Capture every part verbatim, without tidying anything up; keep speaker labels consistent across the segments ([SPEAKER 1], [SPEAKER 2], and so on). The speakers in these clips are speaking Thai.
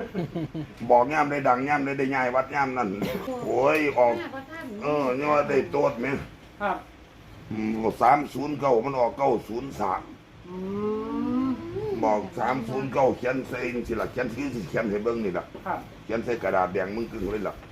[SPEAKER 1] บอกย่ำได้ดังย่ำได้ได้ง่ายวัดย่ำนั่นโอ้ยออกเออเนี่ยว่าได้โต๊ดไหม
[SPEAKER 2] ครับ
[SPEAKER 1] สามศูนย์เก้ามันออกเก้าศูนย์สามบอกสามศูนย์เก้าเขียนใส่สิละเขียนซื้อสิเขียนให้เบิ้งนี่ละเขียนใส่กระดาษแดงมึงกึ่งเลยล่ะ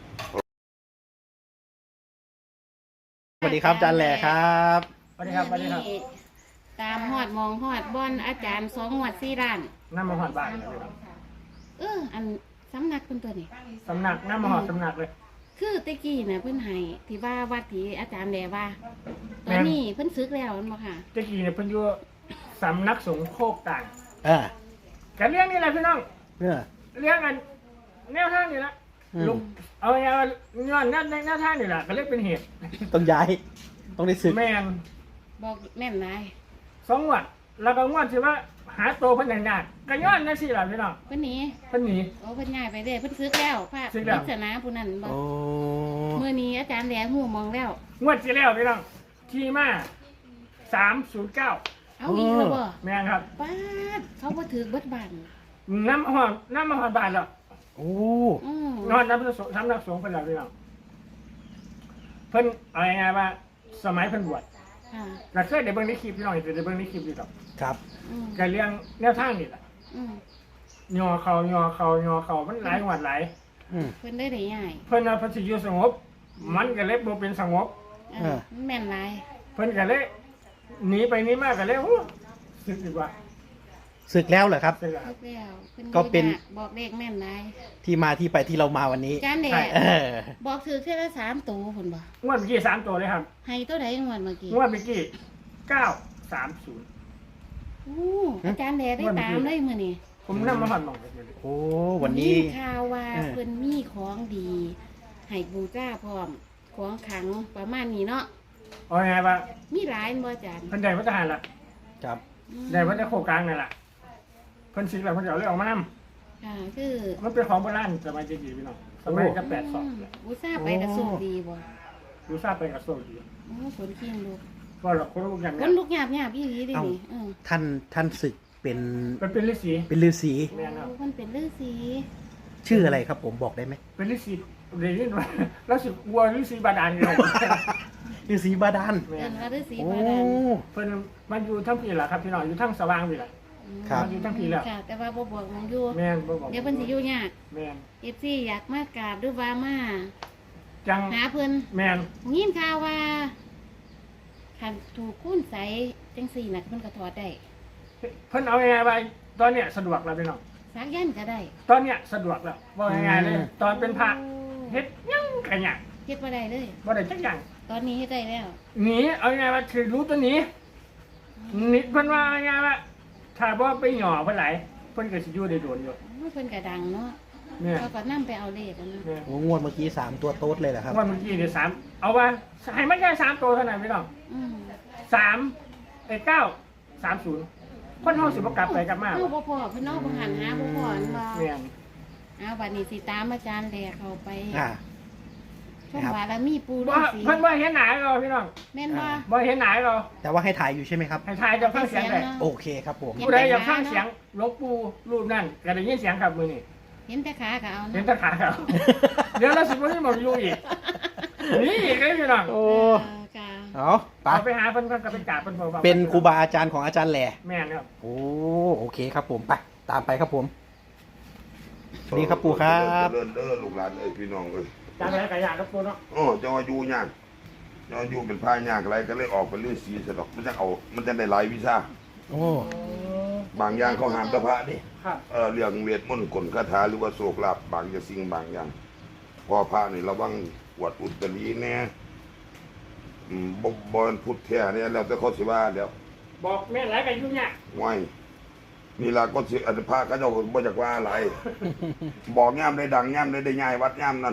[SPEAKER 3] สวัสดีครับอาจารย์แหล่ครับ
[SPEAKER 2] สวัสดีครับสวัสดีครับ
[SPEAKER 4] ตามหอดมองหอดบอนอาจารย์สองหวดสี่ร้าน
[SPEAKER 2] น้ำมหอดบ้าน
[SPEAKER 4] เอออันสำนักเป็นตัวนี้
[SPEAKER 2] สำนักน้ำมหอดสำนักเลย
[SPEAKER 4] คือตะกี้น่ะเพิ่นให้ที่ว่าวัดที่อาจารย์แหล่ว่าตอนนี้เพิ่นซึกแล้วมั้งค่ะ
[SPEAKER 2] ตะกี้เนี่ยเพิ่นอยู่สำนักสงฆ์โคกต่าง
[SPEAKER 3] เออ
[SPEAKER 2] กันเรื่องนี้แหละพี่น้อง
[SPEAKER 3] เออ
[SPEAKER 2] เรื่องกันแนวทางนี่ละลุกเอาไงว่าย้อนแนวแนวทางนี่แหละก็เลยเป็นเหตุ
[SPEAKER 3] ต้องย้ายต้องได้ซึก
[SPEAKER 2] แม่น
[SPEAKER 4] บอกแม่นนาย
[SPEAKER 2] สองวันแล้วก็งวดที่ว่าหาตัวเพิ่นนานๆก็ย้อนนั่นสิล่ะพี่น้อง
[SPEAKER 4] เพิ่นหนี
[SPEAKER 2] เพิ่นหนี
[SPEAKER 4] โอ้เพิ่นย้ายไปเด้เพิ่นซึกแล้วพระปริศนาผู้นั้นบ่มื้อนี้อาจารย์แหล่ฮู้มองแล้ว
[SPEAKER 2] งวดที่แล้วพี่น้องที่มาสามศูนย์เก้า
[SPEAKER 4] เอาอีกแล้วบ่
[SPEAKER 2] แม่นครับ
[SPEAKER 4] ป้าดเขาบ่ถือเบิดบ้าน
[SPEAKER 2] น้ำหอมน้ำมหอดบ้านแล้ว
[SPEAKER 3] โอ้
[SPEAKER 2] นอนน้ำสงน้ำนักสงเพิ่นแล้วพี่น้องเพิ่นอะไรไงว่าสมัยเพิ่นบวชเราเคยได้เบิ่งในคลิปพี่น้องจะได้เบิ่งในคลิปดีครับ
[SPEAKER 3] ครับ
[SPEAKER 2] การเลี้ยงแนวทางนี่แหละยอเขายอเขายอเขามันหลายงวดหลาย
[SPEAKER 4] เพิ่นได้ได้ใหญ่
[SPEAKER 2] เพิ่นเอาเพิ่นสิอยู่สงบมันก็เลยบ่เป็นสงบ
[SPEAKER 4] เออแม่นหลาย
[SPEAKER 2] เพิ่นก็เลยหนีไปหนีมาก็เลยโอ้สึกดีกว่า
[SPEAKER 3] ศึกแล้วเหรอครับ
[SPEAKER 4] ศึกแล้ว
[SPEAKER 3] ก็เป็น
[SPEAKER 4] บอกเลขแม่นนาย
[SPEAKER 3] ที่มาที่ไปที่เรามาวันนี้
[SPEAKER 4] จานแดดบอกถือแค่ละสามตัวคนบ่
[SPEAKER 2] งวดเมื่อกี้สามตัวเลยครับ
[SPEAKER 4] ให้ตัวไหนงวดเมื่อกี้
[SPEAKER 2] งวดเมื่อกี้เก้าสามศูนย์
[SPEAKER 4] โอ้อาจารย์แดดได้ตามได้มื้อนี้
[SPEAKER 2] ผมนั่งมาหันมองไปเลย
[SPEAKER 3] โอ้วันนี้
[SPEAKER 4] ข่าวว่าเพิ่นมีของดีให้บูชาพร้อมของขลังประมาณนี้เนาะ
[SPEAKER 2] เอาไงบ้าง
[SPEAKER 4] มีหลายบ่อาจารย์
[SPEAKER 2] เพิ่นได้พระทหารละ
[SPEAKER 3] ครับ
[SPEAKER 2] ได้พระเจ้าโคกลางนั่นแหละเพิ่นสิแล้วเพิ่นจะเอาเรื่องออกมาน
[SPEAKER 4] ำค่ะคือ
[SPEAKER 2] มันเป็นของโบราณสมัยเด็กๆพี่น้องสมัยกับแปดสอง
[SPEAKER 4] บูชาไปกระสุนดีบ่
[SPEAKER 2] บูชาไปกระสุนดี
[SPEAKER 4] โอ้ฝนเคียงลูก
[SPEAKER 2] ก็หรอกคนลูกหยาบ
[SPEAKER 4] คนลูกหยาบหยาบอีหลีดินี่
[SPEAKER 3] ท่านท่านศึกเป็น
[SPEAKER 2] มันเป็นฤาษี
[SPEAKER 3] เป็นฤาษี
[SPEAKER 4] มันเป็นฤาษี
[SPEAKER 3] ชื่ออะไรครับผมบอกได้ไหม
[SPEAKER 2] เป็นฤาษีเรียนว่าแล้วสึกวัวฤาษีบาดาลเลย
[SPEAKER 3] ฤาษีบาดาล
[SPEAKER 4] เป็นฤาษีบาดาล
[SPEAKER 2] เพิ่นมันอยู่ทั้งปีแหละครับพี่น้องอยู่ทั้งสว่างปีแหละ
[SPEAKER 3] ครับ
[SPEAKER 2] อยู่ทั้งปีแล้ว
[SPEAKER 4] แต่ว่าบ่บอกมองอยู่
[SPEAKER 2] แม่นบ่บอก
[SPEAKER 4] เดี๋ยวเพิ่นสิอยู่ยาก
[SPEAKER 2] แม่น
[SPEAKER 4] เอฟ ซี อยากมากราบด้วยว่ามา
[SPEAKER 2] จัง
[SPEAKER 4] หาเพิ่น
[SPEAKER 2] แม่น
[SPEAKER 4] ยินข่าวว่าคันถูกคุ้นใสจังซี่น่ะเพิ่นก็ถอดได้
[SPEAKER 2] เพิ่นเอายังไงไปตอนเนี้ยสะดวกแล้วพี่น้อง
[SPEAKER 4] สักยันก็ได้
[SPEAKER 2] ตอนเนี้ยสะดวกแล้วบ่ยังไงเลยตอนเป็นพระเฮ็ดยังกะหยัง
[SPEAKER 4] เฮ็ดบ่ได้เลย
[SPEAKER 2] บ่ได้จักอย่าง
[SPEAKER 4] ตอนนี้เฮ็ดได้แล้ว
[SPEAKER 2] หนีเอายังไงว่าคือรู้ตัวนี้หนีเพิ่นว่ายังไงว่าถ้าบ่ไปหย่อเพิ่นไหลเพิ่นก็สิอยู่ได้โดนอยู่
[SPEAKER 4] เพิ่นก็ดังเนาะเขาก็นำไปเอาเลขนะ
[SPEAKER 3] โอ้งวดเมื่อกี้สามตัวโต๊ดเลยเหรอครับ
[SPEAKER 2] งวดเมื่อกี้เนี่ยสามเอาว่าให้มันแค่สามตัวเท่านั้นพี่น้องสามไอ้เก้าสามศูนย์คนเฮาสิบ่กลับไปกลับมา
[SPEAKER 4] เฮาบ่พอเพิ่นเนาะบ่หันหาบ่พออันบ่
[SPEAKER 2] แม่น
[SPEAKER 4] เอาบัดนี้สิตามอาจารย์แลเข้าไป
[SPEAKER 3] อ่า
[SPEAKER 4] ช่วงบารมีปู่ฤาษี
[SPEAKER 2] เพิ่นบ่เห็นหน้าเราพี่น้อง
[SPEAKER 4] แม่นบ่
[SPEAKER 2] บ่เห็นหน้าเรา
[SPEAKER 3] แต่ว่าให้ถ่ายอยู่ใช่ไหมครับ
[SPEAKER 2] ให้ถ่ายจะฟังเสียงได้
[SPEAKER 3] โอเคครับผม
[SPEAKER 2] ผู้ใดอยากฟังเสียงหลวงปู่รูปนั้นก็ได้ยินเสียงครับมื้อนี้
[SPEAKER 4] เห็นแต่ขาก็เอา
[SPEAKER 2] เห็นแต่ขาเขาเดี๋ยวเราสิบ่ได้มาอยู่อีกนี่อีกเลยพี่น้อง
[SPEAKER 3] โอ้เอา
[SPEAKER 2] ไปหาเพิ่นก็ไปกราบเพิ่นบ่
[SPEAKER 3] เป็นครูบาอาจารย์ของอาจารย์แหล่
[SPEAKER 2] แม่นครับ
[SPEAKER 3] โอ้โอเคครับผมไปตามไปครับผมนี่ครับปู่ครับ
[SPEAKER 1] เดินเด้อลูกหลานเอ้ยพี่น้องเอ้ย
[SPEAKER 2] จังได๋ก็ยากครับปู่เนาะ
[SPEAKER 1] อ๋อจะว่าอยู่ยากจะว่าอยู่เป็นพายากอะไรก็เลยออกเป็นฤาษีซะดอกมันจะเอามันจะได้หลายวิชา
[SPEAKER 3] โอ้
[SPEAKER 1] บางอย่างเขาห้ามตะพระนี่เออเรื่องเวทมนต์กลคาถาหรือว่าโชคลาภบางอย่างสิ่งบางอย่างพอพระนี่ระวังปวดอุตรีแน่อืมบ่บ่พุทธแท้เนี่ยแล้วแต่เขาสิว่าแล้ว
[SPEAKER 2] บอกแม่หลายก็อยู่ยาก
[SPEAKER 1] ไว้นี่ล่ะก็สิอันพระเขาเจ้าบ่จักว่าอะไรบอกย่ำได้ดังย่ำได้ได้ง่ายวัดย่ำนั่น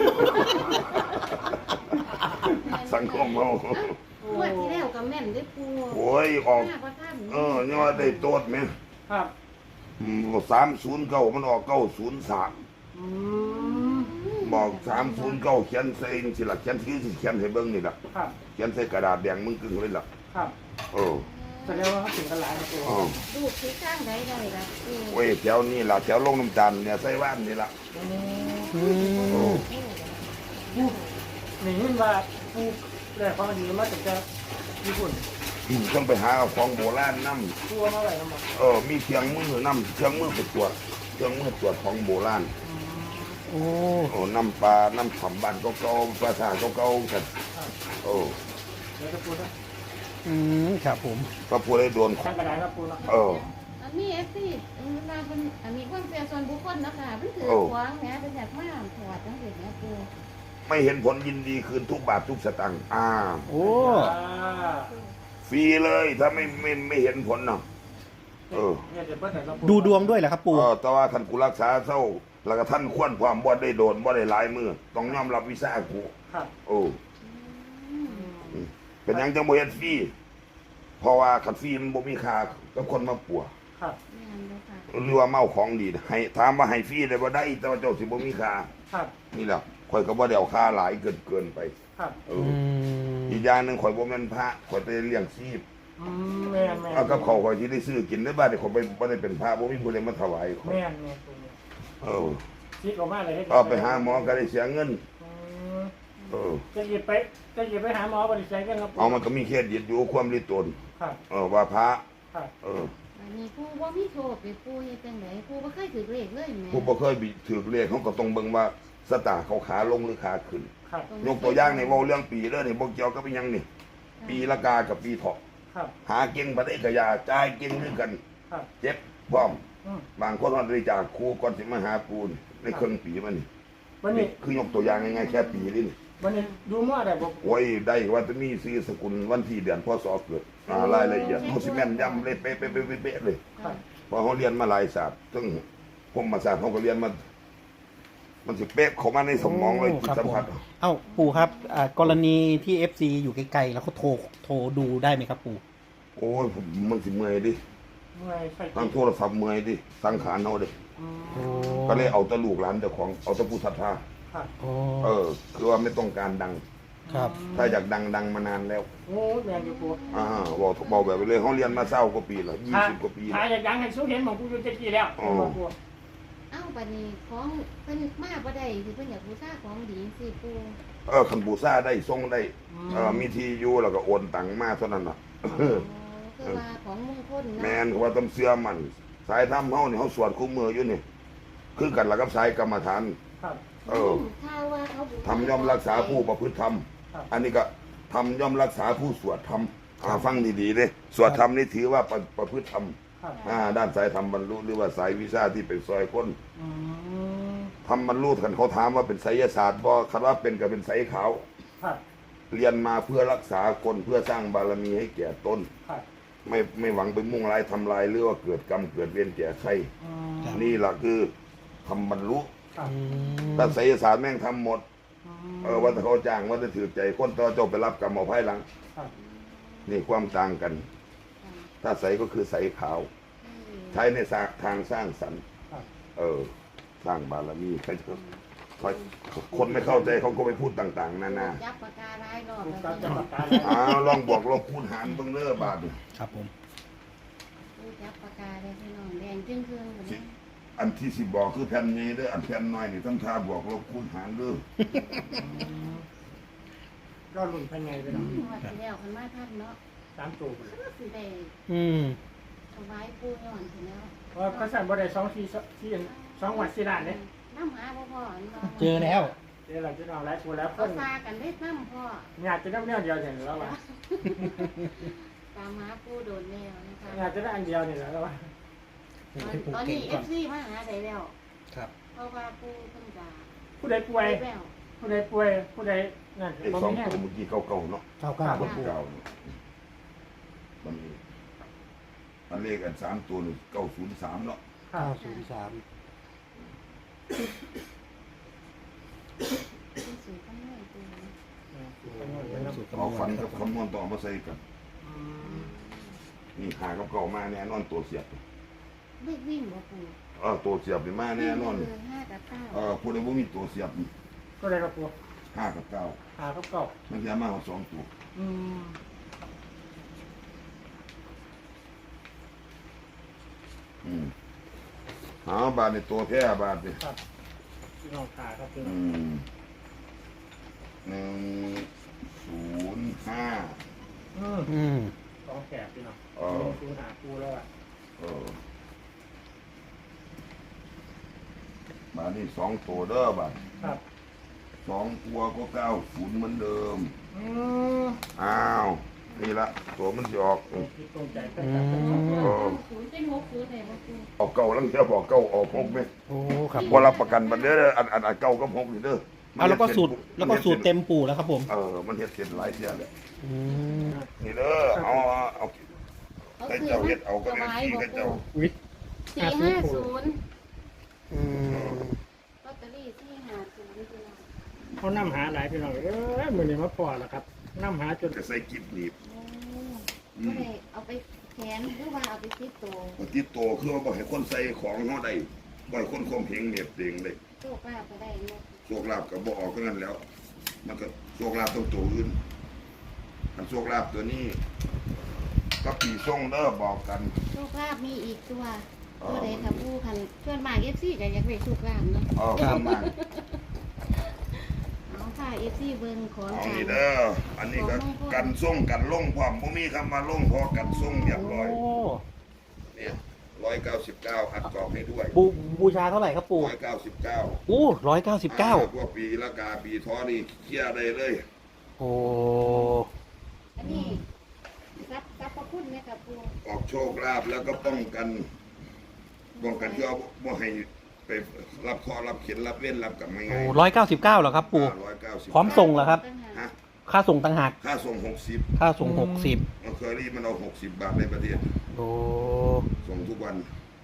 [SPEAKER 1] สังคมเฮา
[SPEAKER 4] งวดที่แล้วก็แม่นได้ปู่
[SPEAKER 1] โอ้ยออกเออเนี่ยว่าได้โต๊ดไหม
[SPEAKER 2] ครับ
[SPEAKER 1] อืมสามศูนย์เก้ามันออกเก้าศูนย์สามบอกสามศูนย์เก้าเขียนใส่สิละเขียนซื้อสิเขียนให้เบิ้งนี่ละเขียนใส่กระดาษแดงมึงกึ่งเลยล่ะ
[SPEAKER 2] ครับ
[SPEAKER 1] เออ
[SPEAKER 2] แสดงว่าเขาถึงกันหลายครับปู
[SPEAKER 1] อ๋อ
[SPEAKER 4] ลูกที่ข้างใดได้ล่ะปู
[SPEAKER 1] โอ้ยแถวนี้ล่ะแถวลงน้ำตาลเนี่ยไส้ว่านนี่ล่ะ
[SPEAKER 3] อืม
[SPEAKER 2] ปูหนีว่าปูแรกความดีมาจากจะญี่ปุ่น
[SPEAKER 1] อืมต้องไปหาเอาของโบราณนำ
[SPEAKER 2] ปูมาอะไรครับหมด
[SPEAKER 1] เออมีเครื่องมือนำเครื่องมือไปตรวจเครื่องมือตรวจของโบราณ
[SPEAKER 3] โอ้
[SPEAKER 1] โอ้น้ำปลาน้ำฉ่ำบ้านเก่าๆปลาสาเก่าๆกันโอ้
[SPEAKER 2] เดี๋ยวจะปูนะ
[SPEAKER 3] อืมครับผม
[SPEAKER 1] พระพุทธได้โดน
[SPEAKER 2] ทางกระดาษครับปูนะ
[SPEAKER 1] เออ
[SPEAKER 4] อันนี้เอฟซีเวลาเป็นอันนี้ความเสียส่วนบุคคลนะคะมันถือ
[SPEAKER 1] โอ้
[SPEAKER 4] ขวางแหมเป็นแบบมาถอดจังซี่แหมปู
[SPEAKER 1] ไม่เห็นผลยินดีคืนทุกบาททุกสตางค์อ่า
[SPEAKER 3] โอ้
[SPEAKER 1] ฟรีเลยถ้าไม่ไม่ไม่เห็นผลเนาะเออ
[SPEAKER 2] เนี่ยจะเปิดไหนครับปู
[SPEAKER 3] ดูดวงด้วยเหรอครับ
[SPEAKER 1] เอ
[SPEAKER 3] ปู่
[SPEAKER 1] อแต่ว่าท่านกูรักษาเศร้าแล้วก็ท่านควรความบ่ได้โดนบ่ได้หลายมือต้องยอมรับวิสากู
[SPEAKER 2] ครับ
[SPEAKER 1] โอ้เป็นหยังจังบ่เฮ็ดฟรีเพราะว่าคันฟรีมันบ่มีค่ากับคนมาปัว
[SPEAKER 2] ครับ
[SPEAKER 4] แม่นบ่ค่ะ
[SPEAKER 1] หรือว่าเมาของดีให้ถามว่าให้ฟรีได้บ่ได้แต่ว่าเจ้าสิบ่มีค่า
[SPEAKER 2] ครับ
[SPEAKER 1] นี่แหละข่อยก็บ่ได้เอาค่าหลายเกินเกินไป
[SPEAKER 2] ครับ
[SPEAKER 1] เอ
[SPEAKER 3] อื
[SPEAKER 1] อ
[SPEAKER 3] ม
[SPEAKER 1] อีกอย่างหนึงข่อยบ่แม่นพระข่อยไปเลี้ยงชีพ
[SPEAKER 2] อืมแม่นแม่น
[SPEAKER 1] เอากับเขาวข่อยสิได้ซื้อกินได้บ้านนี่ข่อยบ่บ่ได้เป็นพระบ่มีผู้ใดมาถวายข่อย
[SPEAKER 2] แม่นแม่นปูเนี่ย
[SPEAKER 1] เออ
[SPEAKER 2] คิดออกมาเลย
[SPEAKER 1] เอาไปหาหมอก็ได้เสียเงิน
[SPEAKER 2] อืม
[SPEAKER 1] เออ
[SPEAKER 2] จะหยิบไปจะหยิบไปหาหมอบริษัทกันครับปู
[SPEAKER 1] เอามันก็มีเคสยึดอยู่ความริตน
[SPEAKER 2] ครับ
[SPEAKER 1] เออว่าพระ
[SPEAKER 2] ครับ
[SPEAKER 1] เออ
[SPEAKER 4] อันนี้ปูบ่มีโชคเลยปูเฮ็ดจังไดปูบ่เคยถือเลขเลยแหม
[SPEAKER 1] ผู้บ่เคยบิถือเลขเขาก็ต้องเบิ่งว่าสตาร์เขาขาลงหรือขาขึ้น
[SPEAKER 2] ครับ
[SPEAKER 1] ยกตัวอย่างในเว้าเรื่องปีเด้อนี่บ่เกี่ยวกับอิหยังนี่ ปีละกากับปีเถาะ
[SPEAKER 2] ครับ
[SPEAKER 1] หาเก่งบ่ได้ก็อย่าจ่ายเก่งคือกัน
[SPEAKER 2] ครับ
[SPEAKER 1] เจ็บพร้อม
[SPEAKER 2] อืม
[SPEAKER 1] บางคนว่าได้จากครูก่อนสิมาหาปูนในครึ่งปีมันนี่
[SPEAKER 2] วันนี้
[SPEAKER 1] คือยกตัวอย่างง่ายๆแค่ปีนี่นี่
[SPEAKER 2] วันนี้ดูมั่วได้บ่
[SPEAKER 1] โอ้ยได้ว่าจะมีซื้อสกุลวันที่เดือนพศเกิดอ่ารายละเอียดเฮาสิแม่นยำเลยเป๊ะๆๆๆเลย
[SPEAKER 2] ครับ
[SPEAKER 1] เพราะเขาเรียนมาหลายศาสตร์ซึ่งผมมาศาสตร์เขาก็เรียนมา มันสิเป๊ะเข้ามาในสมองเลยจิต
[SPEAKER 3] ครับ
[SPEAKER 1] สัม
[SPEAKER 3] ผม
[SPEAKER 1] ผัส
[SPEAKER 3] เอ้าปู่ครับอ่ากรณีที่ เอฟ ซี อยู่ไกลๆแล้วเขาโทรโทรดูได้ไหมครับปู่
[SPEAKER 1] โอ้ยผมมันสิเมื่อยดิ
[SPEAKER 2] เมื่อยใส่
[SPEAKER 1] ทางโทรศัพท์เมื่อยดิสังขารเขาดิ
[SPEAKER 2] อืม
[SPEAKER 3] โอ้
[SPEAKER 1] ก็เลยเอาแตะลูกหลานเจ้าของเอาแตะผู้ศรัทธา
[SPEAKER 2] ครับ
[SPEAKER 3] โอ้
[SPEAKER 1] เออ คือว่าไม่ต้องการดัง
[SPEAKER 3] ครับ
[SPEAKER 1] ถ้าอยากดังดังมานานแล้ว
[SPEAKER 2] โอ้แม่นอยู่ปู
[SPEAKER 1] อ่าบอกบอกแบบไปเลยเขาเรียนมาเศร้ากว่าปีแล้วยี่
[SPEAKER 2] ถ้า
[SPEAKER 1] สิบกว่าปี
[SPEAKER 2] ถ้า
[SPEAKER 1] แล้ว
[SPEAKER 2] อยากดังให้สู้เห็นของปูอยู่เจ็ดปีแล้ว
[SPEAKER 1] อ๋อ
[SPEAKER 2] บอกปู
[SPEAKER 4] เอ้าบัดนี้ของเพิ่นมาบ่ได้สิเพิ่นอยากบูชาของดีสิปู
[SPEAKER 1] เออคันบูซ่าได้ทรงได้เออมีทีอยู่แล้วก็โอนตังมาเท่านั้นน่ะ
[SPEAKER 4] อ๋อคือว่าของมงคลเนาะ
[SPEAKER 1] แมนเขาว่าต้องเสื้อมัน สายทำเฮานี่เขาสวดคู่มืออยู่นี่คือกันละกับสายกรรมฐาน
[SPEAKER 2] ครับ
[SPEAKER 1] เออ
[SPEAKER 4] ถ้าว่าเขาบูชา
[SPEAKER 1] ทำย่อมรักษาผู้ประพฤติธรรม
[SPEAKER 2] ครับ
[SPEAKER 1] อันนี้ก็ทำย่อมรักษาผู้สวดธรรมอ่าฟังดีๆเด้สวดธรรมนี่ถือว่าประประพฤติธรรม
[SPEAKER 2] ครับ
[SPEAKER 1] อ่าด้านสายธรรมบรรลุหรือว่าสายวิชาที่เป็นซอยคน
[SPEAKER 2] อืม
[SPEAKER 1] ทำบรรลุกันเขาถามว่าเป็นไสยศาสตร์บ่คันว่าเป็นก็เป็นไสยขาว
[SPEAKER 2] ครับ
[SPEAKER 1] เรียนมาเพื่อรักษาคนเพื่อสร้างบารมีให้แก่ตน
[SPEAKER 2] ครับ
[SPEAKER 1] ไม่ไม่หวังไปมุ่งร้ายทำลายหรือว่าเกิดกรรมเกิดเวรแก่ใคร
[SPEAKER 2] อืม
[SPEAKER 1] นี่แหละคือทำบรรลุ
[SPEAKER 2] ครับ
[SPEAKER 3] อืม
[SPEAKER 1] ถ้าไสยศาสตร์แม่งทำหมด
[SPEAKER 2] อืม
[SPEAKER 1] เออว่าถ้าเขาจ้างว่าจะถือใจคนต่อเจ้าไปรับกรรมเอาภายหลัง
[SPEAKER 2] ครับ
[SPEAKER 1] นี่ความต่างกัน ถ้าใสก็คือใสขาว ใช้ในทางสร้างสรรค์
[SPEAKER 2] ครับ
[SPEAKER 1] เออ สร้างบารมีใครจะคนไม่เข้าใจเขาก็ไปพูดต่าง ๆนานา
[SPEAKER 4] จับปากกาหลายรอบ
[SPEAKER 2] ปู
[SPEAKER 4] แล้ว
[SPEAKER 2] จับ
[SPEAKER 4] พี่
[SPEAKER 2] จับปากกา
[SPEAKER 1] อ้าวลองบอกลองคูณหารเบิ่งเด้อบาทนี่
[SPEAKER 3] ครับผม
[SPEAKER 4] ปูจับปากกาเลยพี่น้องแดงจึ้งครึ่งๆแบบนี้
[SPEAKER 1] อันที่สิบอกคือแผ่นนี้เด้ออันแผ่นน้อยนี่ต้องทาบอกลบคูณหารเด้อ
[SPEAKER 2] ก็หลุนภายในไปแล้ว
[SPEAKER 4] งวดที่แล้วคันมาทันเนาะ
[SPEAKER 2] สามตัวไปเลย
[SPEAKER 4] ก็สิได้
[SPEAKER 3] อืม
[SPEAKER 4] ถวายปูย้อนสิแล้ว
[SPEAKER 2] เพราะเขาสั่งบ่ได้สองทีที่สองวันสี่ด้านเนี่ย
[SPEAKER 4] น้ำหาพ่อพ่อนี่นาะ
[SPEAKER 3] เจอแล้ว
[SPEAKER 2] เดี๋ยวเราจะเอาหลายตัวแล้วค
[SPEAKER 4] เอา
[SPEAKER 2] น
[SPEAKER 4] ซากันได้น้ำพ่อ
[SPEAKER 2] อยากจะได้แนวเดียวเนี่ยแล้วว่า
[SPEAKER 4] ตามหาปูโดนแล้วนะคะ
[SPEAKER 2] อยากจะได้อันเดียวเนี่ยแล้วว่า
[SPEAKER 3] ให้ปู่
[SPEAKER 4] ตอน
[SPEAKER 3] เก่ง
[SPEAKER 4] นี้เอ
[SPEAKER 3] ก่อน
[SPEAKER 4] ฟซีมาหาได้แล้ว
[SPEAKER 3] ครับ
[SPEAKER 4] เพราะว่าปูเพิ่งจะ
[SPEAKER 2] ผู้ใดป่วย
[SPEAKER 4] ไปแล้ว
[SPEAKER 2] ผู้ใดป่วยผู้ใดนั่น
[SPEAKER 1] ไอ้
[SPEAKER 2] บ่
[SPEAKER 1] สอง
[SPEAKER 2] มีแห้ง
[SPEAKER 1] ตัวเมื่อกี้เก่าๆเนาะ
[SPEAKER 3] เก้าเก้า
[SPEAKER 1] คนเก่าเนาะมันมีอันเลขอันสามตัวนี่เก้าศูนย์สามเนาะ
[SPEAKER 2] ครั
[SPEAKER 3] เก้า
[SPEAKER 2] บ
[SPEAKER 3] ศูนย์สาม
[SPEAKER 4] เป็นสูตรคำนวณปู
[SPEAKER 3] สูตร
[SPEAKER 1] เอา
[SPEAKER 3] คำนว
[SPEAKER 1] ฟัน
[SPEAKER 3] ณ
[SPEAKER 1] กับคำนวณต่อมาใส่กัน
[SPEAKER 2] อืม
[SPEAKER 1] นี่หากับเก่ามาแน่นอนตัวเสียบ
[SPEAKER 4] เลขวิ่งบ่ปู
[SPEAKER 1] เออตัวเสียบนี่มาแน่นอน
[SPEAKER 4] คือห้ากับเก้า
[SPEAKER 1] เออผู้ใดบ่มีตัวเสียบนี่
[SPEAKER 2] ก็ได้ครับตัว
[SPEAKER 1] ห้ากับเก้า
[SPEAKER 2] หาครับเก่า
[SPEAKER 1] มันจะมาเอาสองตัว
[SPEAKER 2] อืม
[SPEAKER 1] อืมเอาบาทในตัวแพร่บาทดิ
[SPEAKER 2] ครับพี่น้องขาครับพี่น้
[SPEAKER 1] อื
[SPEAKER 2] อง
[SPEAKER 1] มหนึ่งศูนย์ห้า
[SPEAKER 2] อืม
[SPEAKER 3] อืม
[SPEAKER 2] สองแสบพี่น้อง
[SPEAKER 1] เออ
[SPEAKER 2] คูหาปูแล้วอ่ะ
[SPEAKER 1] เออบาทนี่สองตัวเด้อบาท
[SPEAKER 2] ครับ
[SPEAKER 1] สองตัวก็เก้าศูนย์เหมือนเดิม
[SPEAKER 2] อืม
[SPEAKER 1] อ้าวนี่ละตัวมันจะออก
[SPEAKER 2] ตรงคิดตรงใจแต่
[SPEAKER 3] อื
[SPEAKER 2] ครับ
[SPEAKER 3] ม
[SPEAKER 4] ศูนย์เป็นหกศูนย์ไหนบ่ปู
[SPEAKER 1] ออกเก่าลังเทียบออกเก่าออกหกไหม
[SPEAKER 3] โอ้ครับ
[SPEAKER 1] พอรับประกันบันเด้ออันอันอันเก่าก็หกนี่เด้อ
[SPEAKER 3] เอาแล้วก็สูตรแล้วก็สูตรเต็มปู่แล้วครับผม
[SPEAKER 1] เออมันเฮ็ดเสร็จหลายเที่ยเลย
[SPEAKER 3] อืม
[SPEAKER 1] นี่เด้อเอาเอาเอา
[SPEAKER 4] เขา
[SPEAKER 1] ให้
[SPEAKER 4] คือ
[SPEAKER 1] เจ้าเฮ็ดเอาก็
[SPEAKER 4] ถ
[SPEAKER 1] ได้
[SPEAKER 4] วาย
[SPEAKER 1] ที่
[SPEAKER 4] บ่
[SPEAKER 1] ให้
[SPEAKER 4] ปู
[SPEAKER 1] เจ้า
[SPEAKER 2] อุ้ย
[SPEAKER 4] สี่ห้าศูนย์
[SPEAKER 3] อืม
[SPEAKER 4] ลอตเตอรี่สี่ห้าศูนย์พี่น้อง
[SPEAKER 2] เขานำหาหลายพี่น้องเอ้ยมือนี้มาพอแล้วครับนำหาจน
[SPEAKER 1] จะใส่กิบหนีบ
[SPEAKER 4] โอ้ก็ได้เอาไปแขนหรือว่าเอาไปติดตัว
[SPEAKER 1] มันติดโตคือว่าบ่ให้คนใส่ของเฮาได้บ่ให้คนข่มเหงเหน็บเองเลย
[SPEAKER 4] โชคลาภก็ได้เนาะ
[SPEAKER 1] โชคลาภก็บ่ออกเท่านั้นแล้ว มันก็โชคลาภต้องตัวอื่นอันโชคลาภตัวนี้ก็ปีส่งเด้อบอกกัน
[SPEAKER 4] โชคลาภมีอีกตัวตัวใดค่ะปูคันเพื่อนมากเอฟซีก็อยากได้โชคลาภเนาะ
[SPEAKER 1] เออประมาณ
[SPEAKER 4] เอาค่ะเอฟซีเบิ่งของ
[SPEAKER 1] เอา
[SPEAKER 4] ขลัง
[SPEAKER 1] นี่เด้ออันนี้ก็กันส่งกันลงพร้อมบ่มีคำว่าลงพอกันส่งเรียบร้อย
[SPEAKER 3] โอ้
[SPEAKER 1] เนี่ยร้อยเก้าสิบเก้าอัดกรอบให้ด้วย
[SPEAKER 3] บูบูชาเท่าไหร่ครับปู่
[SPEAKER 1] ร้อยเก้าสิบเก้า
[SPEAKER 3] โอ้ร้อยเก้าสิบเก้า
[SPEAKER 1] พวกปีละกาปีท้อนี่เคลียร์ได้เลย
[SPEAKER 3] โอ้
[SPEAKER 4] อันนี้รับรับพระคุณไหมครับปู
[SPEAKER 1] ออกโชคลาภแล้วก็ป้องกันป้องกันที่เอาบ่ให้ไปรับข้อรับเขียนรับเว้นรับกับไม่
[SPEAKER 3] โอ้
[SPEAKER 1] ง่าย
[SPEAKER 3] ร้อยเก้าสิบเก้าเหรอครับปู่
[SPEAKER 1] ร้อยเก้าสิบ
[SPEAKER 3] พร้อมส่งเหรอครับ
[SPEAKER 1] ฮะ
[SPEAKER 3] ค่าส่งต่างหาก
[SPEAKER 1] ค่าส่งหกสิบ
[SPEAKER 3] ค่าส่งหกสิบ
[SPEAKER 1] มันเคยรีมันเอาหกสิบบาทในประเทศ
[SPEAKER 3] โอ้
[SPEAKER 1] ส่งทุกวัน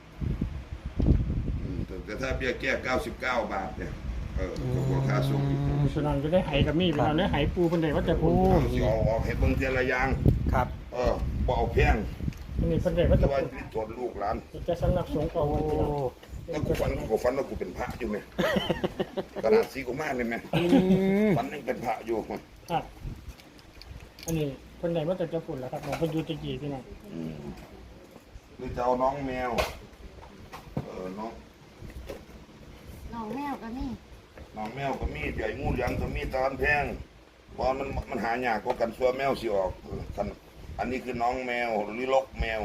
[SPEAKER 1] อืมแต่แต่ถ้าเบี้ยแก้เก้าสิบเก้าบาทเนี่ยเออก็พอค่าส่งอีก
[SPEAKER 2] พี่น้องจะได้ไหกับมีพี่น้องได้ไหปูเป็นไดว่าจะปู
[SPEAKER 1] เอาสิเอาออกให้เบิ่งเทียละอย่าง
[SPEAKER 3] ครับ
[SPEAKER 1] เออบ่เอาแพง
[SPEAKER 2] อันนี้เป็นไดว่า
[SPEAKER 1] แต่
[SPEAKER 2] จะ
[SPEAKER 1] ว่า
[SPEAKER 2] ปู
[SPEAKER 1] ตรวจลูกหลาน
[SPEAKER 2] จะสำนักสงฆ์ก่อน
[SPEAKER 3] โอ้
[SPEAKER 2] พี่น้อง
[SPEAKER 1] แล้วกูฝันกูฝันว่ากูเป็นพระอยู่ไหมขนาดสีกูมากเลยไหม
[SPEAKER 3] อืม
[SPEAKER 1] ฝันยังเป็นพระอยู่
[SPEAKER 2] ครับอันนี้เป็นไดว่าจะจะฝุ่นแล้วครับผมเป็นยูตะกี้พี่น้อง
[SPEAKER 1] อืมหรือจะเอาน้องแมว เออน้อง
[SPEAKER 4] น้องแมวกันนี่
[SPEAKER 1] น้องแมวก็มีใหญ่งูเหลือมก็มีตอนแพงเพราะมันมันหายากกว่ากันซัวแมวสิออกเออคันอันนี้คือน้องแมวหรือลกแมว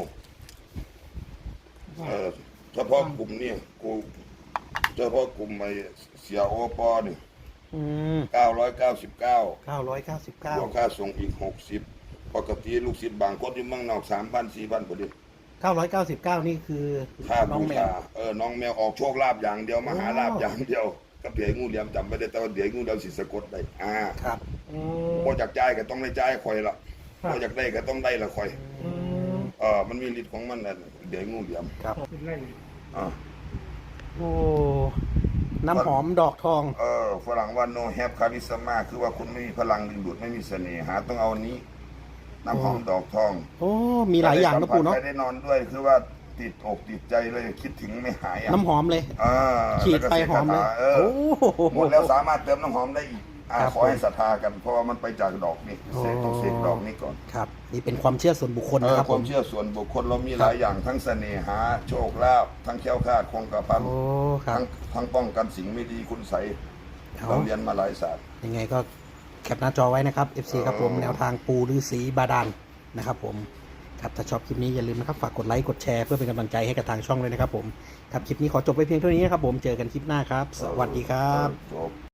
[SPEAKER 1] เออเฉพาะกลุ่มนี่กูเฉพาะกลุ่มไอ้เสียโอปอนี่
[SPEAKER 3] อืม
[SPEAKER 1] เก้าร้อยเก้าสิบเก้า
[SPEAKER 3] เก้าร้อยเก้าสิบเก้า
[SPEAKER 1] บวกค่าส่งอีกหกสิบปกติลูกศิษย์บางคนที่เมืองนอกสามพันสี่พันพอดี
[SPEAKER 3] เก้าร้อยเก้าสิบเก้านี่คือ
[SPEAKER 1] ค่า
[SPEAKER 3] น้อ
[SPEAKER 1] บู
[SPEAKER 3] งแม
[SPEAKER 1] ชาว เออน้องแมวออกโชคลาภอย่างเดียวมหาลาภอย่างเดียวกับเดี๋ยวงูเหลี่ยมจำไม่ได้แต่ว่าเดี๋ยวงูเหลี่ยมสิสะกดได้อ่า
[SPEAKER 3] ครับ
[SPEAKER 2] อืม
[SPEAKER 1] พอจากจ่ายก็ต้องได้จ่ายคอยละพอจากได้ก็ต้องได้ละคอย
[SPEAKER 2] อืม
[SPEAKER 1] เออมันมีฤทธิ์ของมันน่ะเดี๋ยวงูเหลี่ยม
[SPEAKER 3] ครับ
[SPEAKER 2] เป็นไร
[SPEAKER 1] อ่า
[SPEAKER 3] โอ้ น้ำหอมดอกทอง
[SPEAKER 1] เออฝรั่งว่า no have charisma คือว่าคุณไม่มีพลังดึงดูดไม่มีเสน่หาต้องเอานี้น้ำหอมดอกทอง
[SPEAKER 3] โอ้ มีหลายอย่างนะปู่เนาะ
[SPEAKER 1] ใครได้นอนด้วยคือว่าติดอกติดใจเลยคิดถึงไม่หายอ่ะ
[SPEAKER 3] น้ำหอมเลย
[SPEAKER 1] อ่า
[SPEAKER 3] ฉีดไปหอมเลย
[SPEAKER 1] เออ
[SPEAKER 3] โอ้
[SPEAKER 1] หมดแล้วสามารถเติมน้ำหอมได้อีกอ่า
[SPEAKER 3] ครับ
[SPEAKER 1] ขอให้ศรัทธากัน เพราะว่ามันไปจากดอกนี่
[SPEAKER 3] โอ้
[SPEAKER 1] เสกต้องเสกดอกนี้ก่อน
[SPEAKER 3] ครับ นี่เป็นความเชื่อส่วนบุคคล
[SPEAKER 1] เอ
[SPEAKER 3] นะ
[SPEAKER 1] อ
[SPEAKER 3] ครับ
[SPEAKER 1] ค
[SPEAKER 3] ผ
[SPEAKER 1] วาม
[SPEAKER 3] ม
[SPEAKER 1] เชื่อส่วนบุคคลเรามี
[SPEAKER 3] ครับ
[SPEAKER 1] หลายอย่างทั้งเสน่หาโชคลาภทั้งแคล้วคลาดคงกระพัน
[SPEAKER 3] โอ้ ครับ
[SPEAKER 1] ทั้งทั้งป้องกันสิ่งไม่ดีคุณใสย
[SPEAKER 3] เอา
[SPEAKER 1] เราเรียนมาหลายศาสตร์
[SPEAKER 3] ยังไงก็แคปหน้าจอไว้นะครับ เอฟ ซี ครับผม
[SPEAKER 1] เออ
[SPEAKER 3] แนวทางปูฤาษีบาดาลนะครับผม ครับ ถ้าชอบคลิปนี้อย่าลืมนะครับ ฝากกดไลค์ กดแชร์เพื่อเป็นกำลังใจให้กับทางช่องเลยนะครับผม ครับ คลิปนี้ขอจบไปเพียงเท่านี้นะครับผม เจอกันคลิปหน้าครับ สวัสดีครับ
[SPEAKER 1] จบ